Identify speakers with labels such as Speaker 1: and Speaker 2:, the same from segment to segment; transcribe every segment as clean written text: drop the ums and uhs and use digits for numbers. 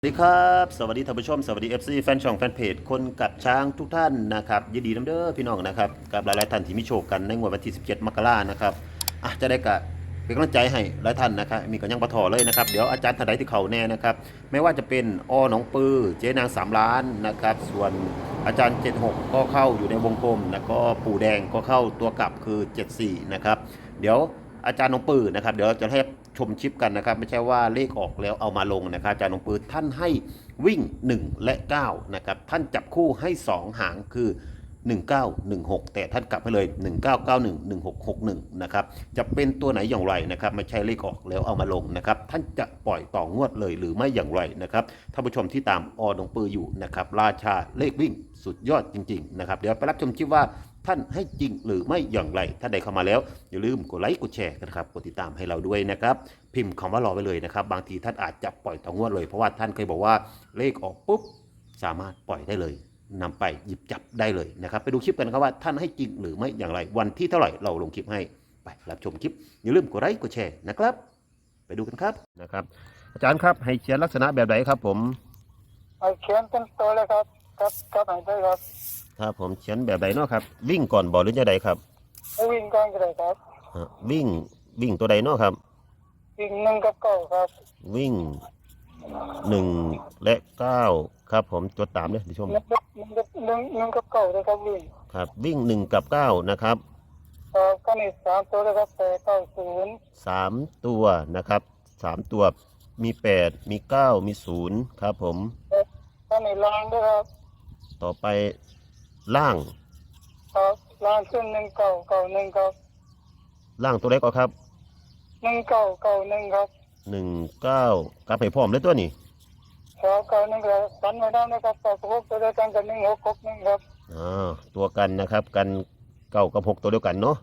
Speaker 1: สวัสดีครับสวัสดีท่านผู้ชมสวัสดี FC แฟนช่องแฟนเพจคนกับช้างทุกท่านนะครับยินดีน้ำเด้อพี่น้องนะครับกับหลายๆท่านที่มีโชคกันในงวดวันที่17มกรานะครับจะได้กะเป็นกำลังใจให้หลายท่านนะครับมีกันยังปะทอเลยนะครับเดี๋ยวอาจารย์ท่านใดที่เขาแน่นะครับไม่ว่าจะเป็นหนองปือเจ๊นาง3 ล้านนะครับส่วนอาจารย์76ก็เข้าอยู่ในวงกลมแล้วก็ปู่แดงก็เข้าตัวกลับคือ74นะครับเดี๋ยวอาจารย์หนองปือนะครับเดี๋ยวจะให้ชมชิปกันนะครับไม่ใช่ว่าเลขออกแล้วเอามาลงนะครับอาจารย์หนองปือท่านให้วิ่ง1และ9นะครับท่านจับคู่ให้2หางคือ1916แต่ท่านกลับให้เลย19911661นะครับจะเป็นตัวไหนอย่างไรนะครับไม่ใช่เลขออกแล้วเอามาลงนะครับท่านจะปล่อยต่องวดเลยหรือไม่อย่างไรนะครับท่านผู้ชมที่ตามหนองปืออยู่นะครับราชาเลขวิ่งสุดยอดจริงๆนะครับเดี๋ยวไปรับชมชิปว่าท่านให้จริงหรือไม่อย่างไรถ้าใดเข้ามาแล้วอย่าลืมกดไลค์กดแชร์กันครับกดติดตามให้เราด้วยนะครับพิมพ์คำว่ารอไว้เลยนะครับบางทีท่านอาจจะปล่อยต่องวดเลยเพราะว่าท่านเคยบอกว่าเลขออกปุ๊บสามารถปล่อยได้เลยนำไปหยิบจับได้เลยนะครับไปดูคลิปกันครับว่าท่านให้จริงหรือไม่อย่างไรวันที่เท่าไหร่เราลงคลิปให้ไปรับชมคลิปอย่าลืมกดไลค์กดแชร์นะครับไปดูกันครับนะครับอาจารย์ครับให้เขียนลักษณะแบบไหนครับผม
Speaker 2: เขียนเป็นตัวเลยครับครับไหนได้ครับ
Speaker 1: ครับผมเขียนแบบไหนเนาะครับวิ่งก่อนบอลหรือจะใดครับ
Speaker 2: วิ่งก่อนก็ได้ครับ
Speaker 1: วิ่งตัวใดเนาะครับ
Speaker 2: วิ่ง1 กับ 9ครับ
Speaker 1: วิ่ง1และ9ครับผมจดตามเลยดิชม
Speaker 2: 1 กับ 9เลยครับวิ่ง
Speaker 1: ครับวิ่ง1กับ9นะครับ
Speaker 2: ก็นี่3 ตัวเลยครับ8 9 0
Speaker 1: 3 ตัวนะครับ3 ตัวมี8มี9มี0ครับผม
Speaker 2: ก็นี่ล่างด้วยครับ
Speaker 1: ต่อไปล่าง
Speaker 2: ครับล่างขึ้น1991ครับ
Speaker 1: ล่างตัวไหนก็ครับ
Speaker 2: 1991ครับ
Speaker 1: 19กลับให้พร้อมเลยตัวนี้
Speaker 2: 91ครับกันไว้ได้นะครับ6ตัวเดียวกันกับ1661ครับ
Speaker 1: ตัวกันนะครับกัน9กับ6ตัวเดียวกันเนาะ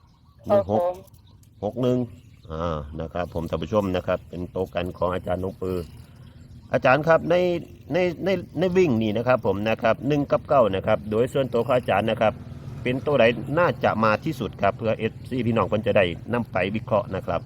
Speaker 1: 1661นะครับผมท่านผู้ชมนะครับเป็นโต๊ะกันของอาจารย์นงปืออาจารย์ครับในวิ่งนี่นะครับผมนะครับ1กับ9นะครับโดยส่วนตัวของอาจารย์นะครับเป็นตัวไหนน่าจะมาที่สุดครับเพื่อFCพี่น้องคนจะได้นำไปวิเคราะห์นะครับ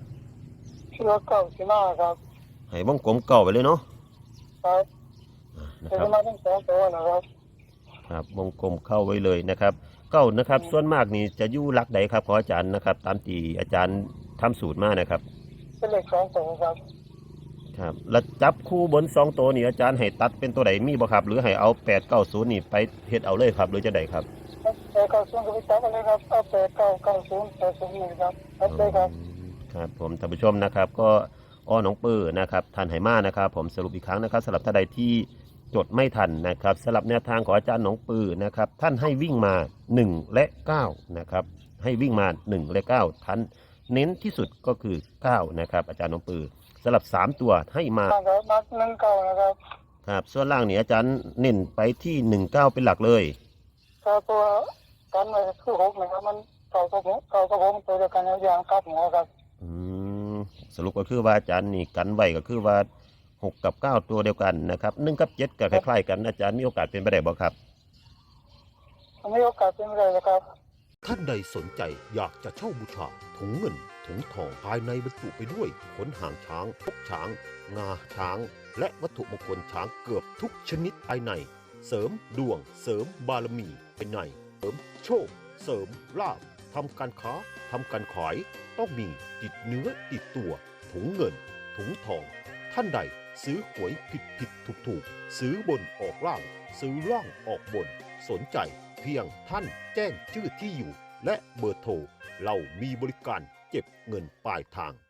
Speaker 2: 9สิมาครับ
Speaker 1: ให้วงกลมเก่าไปเลยเนาะ
Speaker 2: ครับ
Speaker 1: นะครับ
Speaker 2: มาทั้ง2 ตัวนะครับ
Speaker 1: ครับวงกลมเข้าไว้เลยนะครับเก้านะครับส่วนมากนี่จะอยู่หลักใดครับของอาจารย์นะครับตามที่อาจารย์ทำสูตรมานะครับ
Speaker 2: เป็นเลข2 ตัวครับ
Speaker 1: ครับแล้วจับคู่บน2 ตัวนี่อาจารย์ให้ตัดเป็นตัวไหนมีบ่ครับหรือให้เอา890นี่ไปเฮ็ดเอาเลยครับหรือจะใดครับ
Speaker 2: 8 9 0ก็ไปจับกันเลยครับเอา8 9 9 0 8 0 1ครับเลยครับ
Speaker 1: ครับผมท่านผู้ชมนะครับก็หนองปือนะครับทันไหมานะครับผมสรุปอีกครั้งนะครับสำหรับท่านใดที่จดไม่ทันนะครับสำหรับแนวทางของอาจารย์หนองปือนะครับท่านให้วิ่งมา1และ9นะครับให้วิ่งมา1และ9ท่านเน้นที่สุดก็คือ9นะครับอาจารย์หนองปือสำหรับ3 ตัวให้มา
Speaker 2: นัด19นะครับ
Speaker 1: ครับส่วนล่างนี่อาจารย์เน้นไปที่19เป็นหลักเลย
Speaker 2: ตัวกันไว้คือ6นะครับมัน9 กับ 6ตัวเดียวกันอย่างกับหัวครับ
Speaker 1: สรุปก็คือว่าอาจารย์นี่กันไว้ก็คือว่า6กับ9ตัวเดียวกันนะครับ1กับ7ก็คล้ายๆกันอาจารย์มีโอกาสเป็นไปได้บ่ครับ
Speaker 2: มีโอกาสเป็นไปได้ครับ
Speaker 1: ท่านใดสนใจอยากจะเช่าบูชาถุงเงินถุงทองภายในบรรจุไปด้วยขนหางช้างพกช้างงาช้างและวัตถุมงคลช้างเกือบทุกชนิดภายในเสริมดวงเสริมบารมีภายในเสริมโชคเสริมลาภทำการค้าทำการขายต้องมีติดเนื้อติดตัวถุงเงินถุงทองท่านใดซื้อหวยผิดถูกซื้อบนออกล่างซื้อล่างออกบนสนใจเพียงท่านแจ้งชื่อที่อยู่และเบอร์โทรเรามีบริการเก็บเงินปลายทาง